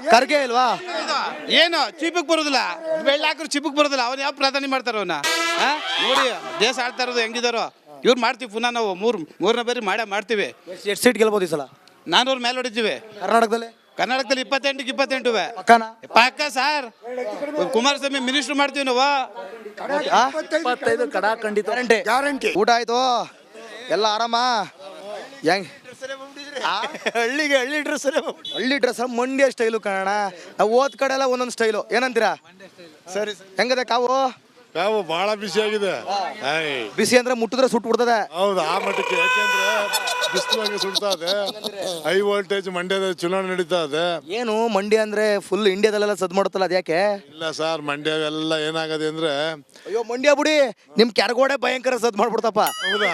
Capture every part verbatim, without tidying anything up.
ಖರ್ಗೆ ಇಲ್ವಾ? ಏನು ಚಿಪ್ಪಕ್ಕೆ ಬರೋದಿಲ್ಲ, ಬೆಳ್ಳ ಹಾಕಿದ್ರು ಚಿಪ್ಪಕ್ಕೆ ಬರೋದಿಲ್ಲ. ಅವ್ನು ಯಾವ ಪ್ರಧಾನಿ ಮಾಡ್ತಾರ ಅವನ್ನ? ನೋಡಿ ದೇಶ ಆಡ್ತಾ ಇರೋದು ಹೆಂಗಿದಾರೋ. ಇವ್ರು ಮಾಡ್ತೀವಿ ಪುನಃ ನಾವು ಮೂರು ಮೂರನೇ ಬಾರಿ ಮಾಡೇ ಮಾಡ್ತೀವಿ. ಎಷ್ಟು ಸೀಟ್ ಗೆಲ್ಬೋದು ಈ ಸಲ ನಾನೂರು ಮೇಲೆ ಹೊಡಿತೀವಿ. ಕರ್ನಾಟಕದಲ್ಲಿ? ಕರ್ನಾಟಕದಲ್ಲಿ ಇಪ್ಪತ್ತೆಂಟಕ್ಕೆ ಇಪ್ಪತ್ತೆಂಟು ಪಕ್ಕನಾ? ಪಕ್ಕ ಸರ್. ಕುಮಾರಸ್ವಾಮಿ ಮಿನಿಸ್ಟರ್ ಮಾಡ್ತೀವಿ ನಾವು. ಇಪ್ಪತ್ತೈದು ಕಡಾ ಖಂಡಿತ ಗ್ಯಾರಂಟಿ. ಗ್ಯಾರಂಟಿ. ಊಟ ಆಯ್ತು? ಎಲ್ಲ ಆರಾಮ? ಹೆಂಗ್ ಹಳ್ಳಿಗೆ ಹಳ್ಳಿ ಡ್ರೆಸ್ ಹಳ್ಳಿ ಡ್ರೆಸ್ ಮಂಡ್ಯ ಸ್ಟೈಲು ಕಾರಣ. ನಾವು ಓದ್ ಕಡೆ ಎಲ್ಲ ಒಂದೊಂದು ಸ್ಟೈಲು. ಏನಂತೀರಾ? ಸರಿ ಹೆಂಗದೆ ಕಾವು? ಕಾವು ಬಹಳ ಬಿಸಿ ಆಗಿದೆ. ಬಿಸಿ ಅಂದ್ರೆ ಮುಟ್ಟಿದ್ರೆ ಸುಟ್ಟು ಬಿಡ್ತದೆ. ಹೌದು, ಆ ಮಟ್ಟಕ್ಕೆ. ಯಾಕೆಂದ್ರೆ ಬಿಸಿಲು ಸುಡ್ತಾ ಇದೆ. ಹೈ ವೋಲ್ಟೇಜ್ ಮಂಡ್ಯದ ಚುನಾವಣೆ ನಡೀತಾ ಇದೆ. ಏನು ಮಂಡ್ಯ ಅಂದ್ರೆ ಫುಲ್ ಇಂಡಿಯಾದಲ್ಲೆಲ್ಲ ಸದ್ ಮಾಡುತ್ತಲ್ಲ, ಅದ್ಯಾಕೆ? ಇಲ್ಲ ಸರ್, ಮಂಡ್ಯವೆಲ್ಲ ಏನಾಗದೆ ಅಂದ್ರೆ, ಅಯ್ಯೋ ಮಂಡ್ಯ ಬಿಡಿ, ನಿಮ್ ಕೆರಗೋಡೆ ಭಯಂಕರ ಸದ್ ಮಾಡ್ಬಿಡ್ತಪ್ಪ. ಹೌದಾ?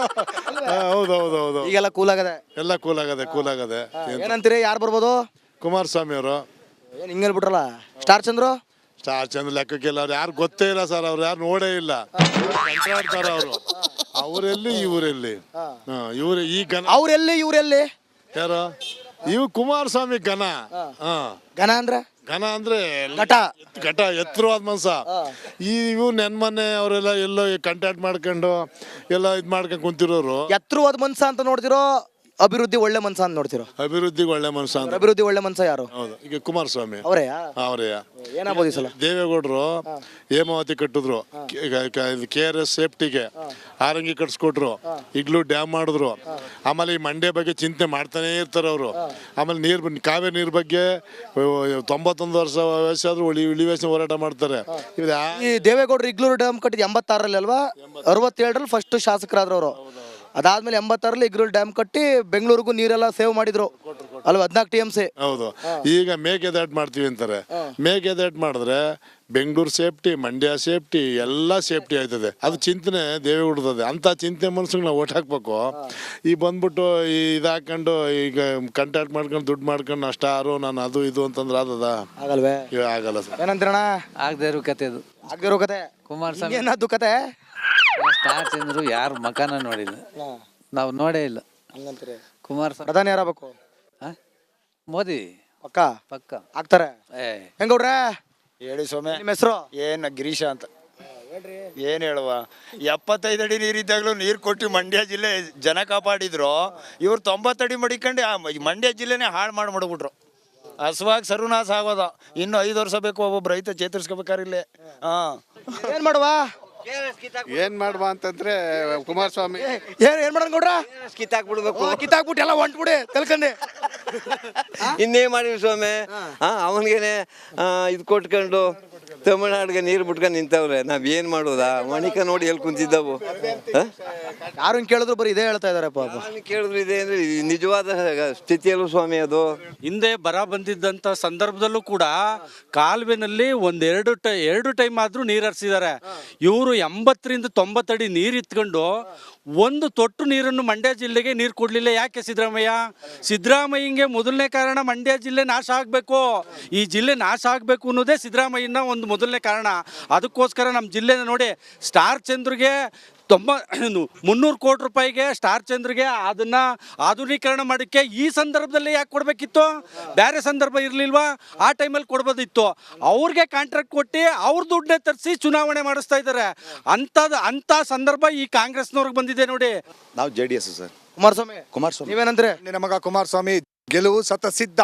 ಹೌದು ಹೌದು ಹೌದು. ಈಗೆಲ್ಲ ಕೂಲ್ ಆಗದೆ, ಎಲ್ಲ ಕೂಲ್ ಆಗದೆ ಕೂಲ್ ಆಗದೆ. ಏನಂತೀರಿ? ಯಾರು ಬರ್ಬೋದು? ಕುಮಾರಸ್ವಾಮಿ ಅವರು. ಏನ್ ಹಿಂಗ್ ಹೇಳ್ಬಿಟ್ರಲ್ಲ. ಸ್ಟಾರ್ ಚಂದ್ರು? ಸ್ಟಾರ್ ಚಂದ್ರ ಲೆಕ್ಕಕ್ಕಿಲ್ಲ. ಅವ್ರು ಯಾರು ಗೊತ್ತೇ ಇಲ್ಲ ಸರ್, ಅವ್ರು ಯಾರು ನೋಡೇ ಇಲ್ಲ. ಕಂಟಾಡ್ತಾರ ಅವರು. ಅವರೆಲ್ಲಿ ಇವರೆಲ್ಲಿ? ಇವ್ರು ಈ ಘನ. ಅವ್ರೆಲ್ಲಿ ಇವ್ರೆಲ್ಲಿ? ಯಾರು? ಇವ್ ಕುಮಾರಸ್ವಾಮಿ ಘನ. ಹ ಘನ ಅಂದ್ರೆ? ಘನ ಅಂದ್ರೆ ಘಟ. ಘಟ, ಎತ್ತರವಾದ ಮನ್ಸ. ಈ ಇವ್ ನೆನ್ಮನೆ ಅವರೆಲ್ಲ ಎಲ್ಲೋ ಕಂಟ್ಯಾಕ್ಟ್ ಮಾಡ್ಕೊಂಡು ಎಲ್ಲ ಇದ್ ಮಾಡ್ಕೊಂಡು ಕುಂತಿರೋರು. ಎತ್ತರವಾದ ಮನ್ಸ ಅಂತ ನೋಡ್ತಿರೋ, ಅಭಿವೃದ್ಧಿ ಒಳ್ಳೆ ಮನ್ಸ ಅಂತ ನೋಡ್ತಿರೋ? ಅಭಿವೃದ್ಧಿಗೆ ಒಳ್ಳೆ ಮನ್ಸ ಅಂತ. ಅಭಿವೃದ್ಧಿ ಒಳ್ಳೆ ಮನ್ಸ ಯಾರು? ಹೌದು, ಈಗ ಕುಮಾರಸ್ವಾಮಿ ಅವರೇ. ಅವರೇ. ಏನಾಗ್ಬೋದು ಈ ಸಲ? ದೇವೇಗೌಡರು ಹೇಮಾವತಿ ಕಟ್ಟಿದ್ರು, ಕೆ ಆರ್ ಎಸ್ ಸೇಫ್ಟಿಗೆ ಆರಂಗಿ ಕಟ್ಸ್ಕೊಟ್ರು, ಈಗ್ಲೂ ಡ್ಯಾಮ್ ಮಾಡಿದ್ರು. ಆಮೇಲೆ ಈ ಮಂಡ್ಯ ಬಗ್ಗೆ ಚಿಂತೆ ಮಾಡ್ತಾನೆ ಇರ್ತಾರೆ ಅವರು. ಆಮೇಲೆ ನೀರ್ ಕಾವೇರಿ ನೀರ್ ಬಗ್ಗೆ ತೊಂಬತ್ತೊಂದು ವರ್ಷ ವಯಸ್ಸಾದ್ರೂ ಉಳಿ ಇಳಿವೇಶನ ಹೋರಾಟ ಮಾಡ್ತಾರೆ. ಈ ದೇವೇಗೌಡರು ಇಗ್ಲೂರು ಡ್ಯಾಮ್ ಕಟ್ಟಿದ್ ಎಂಬತ್ತಾರಲ್ಲಿ ಅಲ್ವಾ? ಅರವತ್ತೇಳರಲ್ಲಿ ಫಸ್ಟ್ ಶಾಸಕರಾದ್ರು ಅವರು. ಅದಾದ್ಮೇಲೆ ಎಂಬತ್ತಾರಲ್ಲಿ ಇಗ್ಲೂರು ಡ್ಯಾಮ್ ಕಟ್ಟಿ ಬೆಂಗಳೂರಿಗೂ ನೀರೆಲ್ಲ ಸೇವ್ ಮಾಡಿದ್ರು ಅಲ್ವಾ? ಹದಿನಾಲ್ಕು ಟಿ ಎಂ ಸಿ. ಹೌದು. ಈಗ ಮೇಕೆದಾಟ್ ಮಾಡ್ತೀವಿ ಅಂತಾರೆ. ಮೇಕೆದಾಟ್ ಮಾಡಿದ್ರೆ ಬೆಂಗಳೂರು ಸೇಫ್ಟಿ, ಮಂಡ್ಯ ಸೇಫ್ಟಿ, ಎಲ್ಲ ಸೇಫ್ಟಿ ಆಯ್ತದೆ. ಅದು ಚಿಂತನೆ ದೇವೇಗೌಡರದೆ. ಅಂತ ಚಿಂತೆ ಮನ್ಸಿಗೆ ನಾವು ಓಟ್ ಹಾಕ್ಬೇಕು. ಈ ಬಂದ್ಬಿಟ್ಟು ಈ ಇದಾಕೊಂಡು ಈಗ ಕಂಟ್ಯಾಕ್ಟ್ ಮಾಡ್ಕೊಂಡು ದುಡ್ಡು ಮಾಡ್ಕೊಂಡು ಅಷ್ಟಾರು ನಾನು ಅದು ಇದು ಅಂತಂದ್ರೆ ಆದದ? ಆಗಲ್ವೇ? ಆಗಲ್ಲ ಸರ್. ಏನಂತೀರಣ? ಆಗದೆ ಇರೋ ಕತೆ ಅದು. ಆಗಿರೋ ಕತೆ. ಕುಮಾರಸ್ವಾಮಿ ಏನದು ಕತೆ? ಸ್ಟಾರ್ ಚಂದ್ರು ಯಾರು ಮಕಾನ ನೋಡಿಲ್ಲ, ನಾವು ನೋಡೇ ಇಲ್ಲ. ಕುಮಾರಸ್ವಾಮಿ ಪ್ರಧಾನಿ ಯಾರಾಗಬೇಕು? ಮೋದಿ ಪಕ್ಕ ಪಕ್ಕ ಆಗ್ತಾರೆ. ಏ ಹೆಂಗೌಡ್ರೆ ಹೇಳಿ ಸೊಮೆ. ನಿಮ್ಮ ಹೆಸರು? ಏನ್ ಗಿರೀಶ ಅಂತ. ಏನ್ ಹೇಳುವ, ಎಪ್ಪತ್ತೈದು ಅಡಿ ನೀರಿದ್ದಾಗಲೂ ನೀರು ಕೊಟ್ಟು ಮಂಡ್ಯ ಜಿಲ್ಲೆ ಜನ ಕಾಪಾಡಿದ್ರು. ಇವ್ರು ತೊಂಬತ್ತಡಿ ಮಡಿಕೊಂಡು ಆ ಮಂಡ್ಯ ಜಿಲ್ಲೆನೇ ಹಾಳು ಮಾಡಿ ಮಾಡ್ಬಿಟ್ರು. ಹಸುವಾಗಿ ಸರ್ವನಾಶ ಆಗೋದ. ಇನ್ನು ಐದು ವರ್ಷ ಬೇಕು ಒಬ್ಬೊಬ್ಬ ರೈತ ಚೇತರಿಸ್ಕೋಬೇಕಾರಿಲ್ಲೇ. ಹಾ, ಏನ್ ಮಾಡುವ? ಏನ್ ಮಾಡುವ ಅಂತಂದ್ರೆ ಕುಮಾರಸ್ವಾಮಿ ಏನ್ ಏನ್ ಮಾಡೋಣ ಗೌಡ್ರ? ಕಿತ್ತಾಕ್ಬಿಡ್ಬೇಕು. ಕಿತ್ತಾಕ್ಬಿಟ್ಟು ಎಲ್ಲ ಹೊಂಟ್ಬಿಡಿ ಕಲ್ಕಂಡೆ. ಇನ್ನೇ ಮಾಡಿವಿ ಸ್ವಾಮಿ. ಹಾ, ಅವನಿಗೇನೆ ಇದು ಕೊಟ್ಕೊಂಡು ತಮಿಳ್ನಾಡಿಗೆ ನೀರು ಬಿಟ್ಕೊಂಡು ನಿಂತವ್ರೆ. ನಾವ್ ಏನ್ ಮಾಡೋದಾ? ಮಣಿಕ ನೋಡಿ ಎಲ್ಲಿ ಕುಂತಿದ್ದವು. ಯಾರು ಕೇಳಿದ್ರು ಬರೀ ಇದೇ ಹೇಳ್ತಾ ಇದಾರೆ ಪಾಪ. ಕೇಳಿದ್ರು ಇದೆ ಅಂದ್ರೆ ನಿಜವಾದ ಸ್ಥಿತಿಯಲ್ಲೂ ಸ್ವಾಮಿ ಅದು. ಹಿಂದೆ ಬರ ಬಂದಿದ್ದಂಥ ಸಂದರ್ಭದಲ್ಲೂ ಕೂಡ ಕಾಲುವೆನಲ್ಲಿ ಒಂದೆರಡು ಟೈ ಎರಡು ಟೈಮ್ ಆದರೂ ನೀರು ಹರಿಸಿದ್ದಾರೆ. ಇವರು ಎಂಬತ್ತರಿಂದ ತೊಂಬತ್ತಡಿ ನೀರು ಇತ್ಕೊಂಡು ಒಂದು ತೊಟ್ಟು ನೀರನ್ನು ಮಂಡ್ಯ ಜಿಲ್ಲೆಗೆ ನೀರು ಕೊಡಲಿಲ್ಲ. ಯಾಕೆ ಸಿದ್ದರಾಮಯ್ಯ? ಸಿದ್ದರಾಮಯ್ಯಂಗೆ ಮೊದಲನೇ ಕಾರಣ ಮಂಡ್ಯ ಜಿಲ್ಲೆ ನಾಶ ಆಗಬೇಕು. ಈ ಜಿಲ್ಲೆ ನಾಶ ಆಗಬೇಕು ಅನ್ನೋದೇ ಸಿದ್ದರಾಮಯ್ಯನ ಒಂದು ಮೊದಲನೇ ಕಾರಣ. ಅದಕ್ಕೋಸ್ಕರ ನಮ್ಮ ಜಿಲ್ಲೆನ ನೋಡಿ, ಸ್ಟಾರ್ ಚಂದ್ರಿಗೆ ತೊಂಬ ಮುನ್ನೂರು ಕೋಟಿ ರೂಪಾಯಿಗೆ ಸ್ಟಾರ್ ಚಂದ್ರಿಗೆ ಅದನ್ನು ಆಧುನೀಕರಣ ಮಾಡೋಕ್ಕೆ ಈ ಸಂದರ್ಭದಲ್ಲಿ ಯಾಕೆ ಕೊಡಬೇಕಿತ್ತು? ಬೇರೆ ಸಂದರ್ಭ ಇರಲಿಲ್ವಾ? ಆ ಟೈಮಲ್ಲಿ ಕೊಡ್ಬೋದಿತ್ತು. ಅವ್ರಿಗೆ ಕಾಂಟ್ರಾಕ್ಟ್ ಕೊಟ್ಟು ಅವ್ರ ದುಡ್ಡನ್ನೇ ತರಿಸಿ ಚುನಾವಣೆ ಮಾಡಿಸ್ತಾ ಇದ್ದಾರೆ. ಅಂಥದ್ದು ಅಂಥ ಸಂದರ್ಭ ಈ ಕಾಂಗ್ರೆಸ್ನವ್ರಿಗೆ ಬಂದಿದೆ ನೋಡಿ. ನಾವು J D S sir. Kumaraswamy Kumaraswamy ನೀವೇನಂದ್ರೆ? ನಿನ್ನ ಮಗ ಕುಮಾರಸ್ವಾಮಿ ಗೆಲುವು ಸತ ಸಿದ್ಧ.